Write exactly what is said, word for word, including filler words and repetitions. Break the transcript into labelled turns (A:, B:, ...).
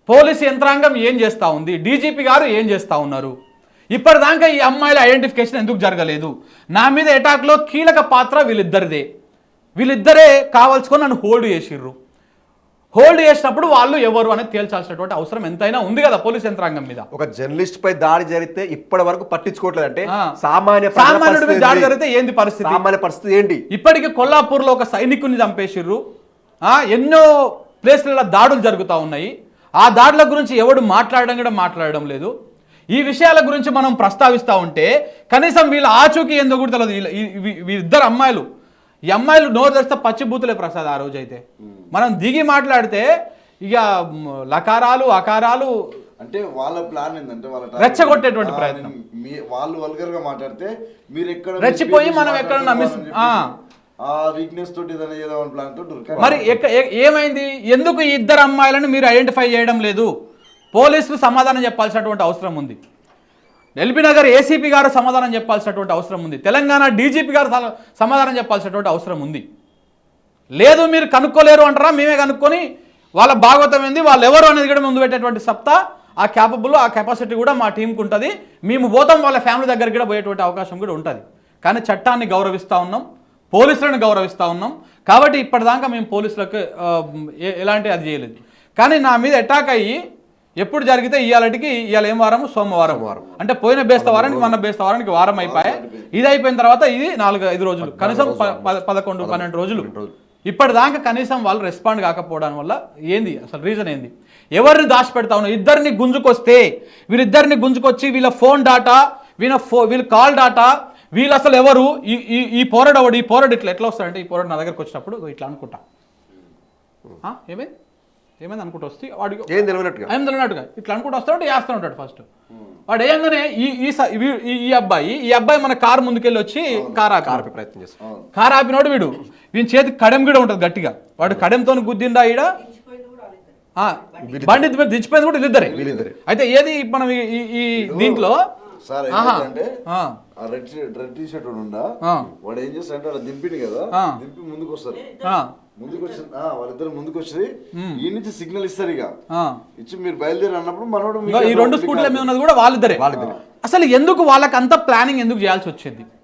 A: Police యంత్రాంగం ఏం చేస్తూ ఉంది, డీజీపీ గారు ఏం చేస్తూ ఉన్నారు, ఇప్పటిదాకా ఈ అమ్మాయిల ఐడెంటిఫికేషన్ ఎందుకు జరగలేదు, నా మీద అటాక్లో కీలక పాత్ర వీళ్ళిద్దరిదే, వీళ్ళిద్దరే కావాల్సుకొని నన్ను హోల్డ్ చేసిర్రు, హోల్డ్ చేసినప్పుడు వాళ్ళు ఎవరు అనేది తేల్చాల్సినటువంటి అవసరం ఎంతైనా ఉంది కదా పోలీస్ యంత్రాంగం మీద.
B: ఒక జర్నలిస్ట్ పై దాడి జరిగితే ఇప్పటి వరకు పట్టించుకోవట్లేదు అంటే
A: సామాన్య సామాన్యుడి మీద దాడి జరిగితే ఏంది పరిస్థితి,
B: సామాన్య పరిస్థితి ఏంటి?
A: ఇప్పటికీ కొల్లాపూర్లో ఒక సైనికుని చంపేసిర్రు, ఎన్నో ప్లేస్లలో దాడులు జరుగుతూ ఉన్నాయి, ఆ దాడుల గురించి ఎవడు మాట్లాడడం కూడా మాట్లాడడం లేదు. ఈ విషయాల గురించి మనం ప్రస్తావిస్తూ ఉంటే కనీసం వీళ్ళ ఆచూకీ ఎందుకు కూడా తెలియదు. వీళ్ళిద్దరు అమ్మాయిలు, ఈ అమ్మాయిలు నోరు తెరిస్తే పచ్చిబూతులే ప్రసాద్. ఆ రోజు అయితే మనం దిగి మాట్లాడితే ఇక లకారాలు అకారాలు
C: అంటే వాళ్ళ ప్లాన్ ఏంటంటే వాళ్ళ
A: రెచ్చగొట్టేటువంటి ప్రయత్నం.
C: వాళ్ళు వల్గర్ గా మాట్లాడితే మీరు ఎక్కడ
A: రెచ్చిపోయి మనం ఎక్కడ నమ్మిస్
C: ఆ వీక్నెస్ తోటి ఏదైనా ఏదో ప్లాన్ తోటి
A: మరి ఏమైంది, ఎందుకు ఈ ఇద్దరు అమ్మాయిలను మీరు ఐడెంటిఫై చేయడం లేదు? పోలీసులు సమాధానం చెప్పాల్సినటువంటి అవసరం ఉంది, ఎల్బీ నగర్ ఏసీపీ గారు సమాధానం చెప్పాల్సినటువంటి అవసరం ఉంది, తెలంగాణ డీజీపీ గారు సమాధానం చెప్పాల్సినటువంటి అవసరం ఉంది. లేదు మీరు కనుక్కోలేరు అంటారా, మేమే కనుక్కొని వాళ్ళ భాగవతం ఏంది, వాళ్ళు ఎవరు అనేది కూడా ముందు పెట్టేటువంటి సత్తా, ఆ క్యాపబుల్ ఆ కెపాసిటీ కూడా మా టీంకి ఉంటుంది. మేము పోతాం వాళ్ళ ఫ్యామిలీ దగ్గరికి కూడా పోయేటువంటి అవకాశం కూడా ఉంటుంది. కానీ చట్టాన్ని గౌరవిస్తూ ఉన్నాం, పోలీసులను గౌరవిస్తూ ఉన్నాం. కాబట్టి ఇప్పటిదాకా మేము పోలీసులకు ఎలాంటి అది చేయలేదు. కానీ నా మీద అటాక్ అయ్యి ఎప్పుడు జరిగితే ఇవాళకి ఇవాళ ఏం వారం, సోమవారం వారం అంటే పోయిన బేస్త వారానికి మన బేస్త వారానికి వారం అయిపోయాయి. ఇది అయిపోయిన తర్వాత ఇది నాలుగు ఐదు రోజులు, కనీసం పదకొండు పన్నెండు రోజులు. ఇప్పటిదాకా కనీసం వాళ్ళు రెస్పాండ్ కాకపోవడం వల్ల ఏంది అసలు రీజన్ ఏంది? ఎవరిని దాచిపెడతా ఉన్నా? ఇద్దరిని గుంజుకొస్తే వీళ్ళిద్దరిని గుంజుకొచ్చి వీళ్ళ ఫోన్ డాటా, వీళ్ళ ఫో వీళ్ళ కాల్ డాటా, వీళ్ళు అసలు ఎవరు, ఈ ఈ పోరడు అవడు, ఈ పోరడు ఇట్లా ఎట్లా వస్తాడంటే, ఈ పోరడు నా దగ్గరకు వచ్చినప్పుడు ఇట్లా అనుకుంటా, ఏమైంది ఏమైంది అనుకుంటూ వస్తే వాడికి ఏం తెలియనట్టుగా ఏం తెలియనట్టుగా ఇట్లా అనుకుంటూ వస్తాడు, వేస్తూ ఉంటాడు. ఫస్ట్ వాడు ఏంగానే ఈ ఈ అబ్బాయి ఈ అబ్బాయి మన కారు ముందుకెళ్ళి వచ్చి కార్ ఆపి ప్రయత్నం చేస్తాడు. కార్ ఆపినోడు వీడు వీని చేతికి కడెం కూడా ఉంటుంది గట్టిగా, వాడు కడెంతో గుద్దిండా ఈడ బండి దించిపోయింది కూడా వీళ్ళిద్దరే. అయితే ఏది మనం ఈ దీంట్లో
C: సార్ అంటే రెడ్ రెడ్ టీ షర్ట్ ఉండా వాడు ఏం చేస్తాడంటే వాడు దింపింది కదా, దింపి ముందుకు వస్తారు, ముందుకు వచ్చి వాళ్ళిద్దరు ముందుకు వచ్చి ఈ నుంచి సిగ్నల్ ఇస్తారు, ఇక ఇచ్చి మీరు బయలుదేరి అన్నప్పుడు మనోడు
A: ఈ రెండు స్కూటీల మీద ఉన్నది కూడా వాళ్ళిద్దరే. అసలు ఎందుకు వాళ్ళకి అంత ప్లానింగ్ ఎందుకు చేయాల్సి వచ్చింది?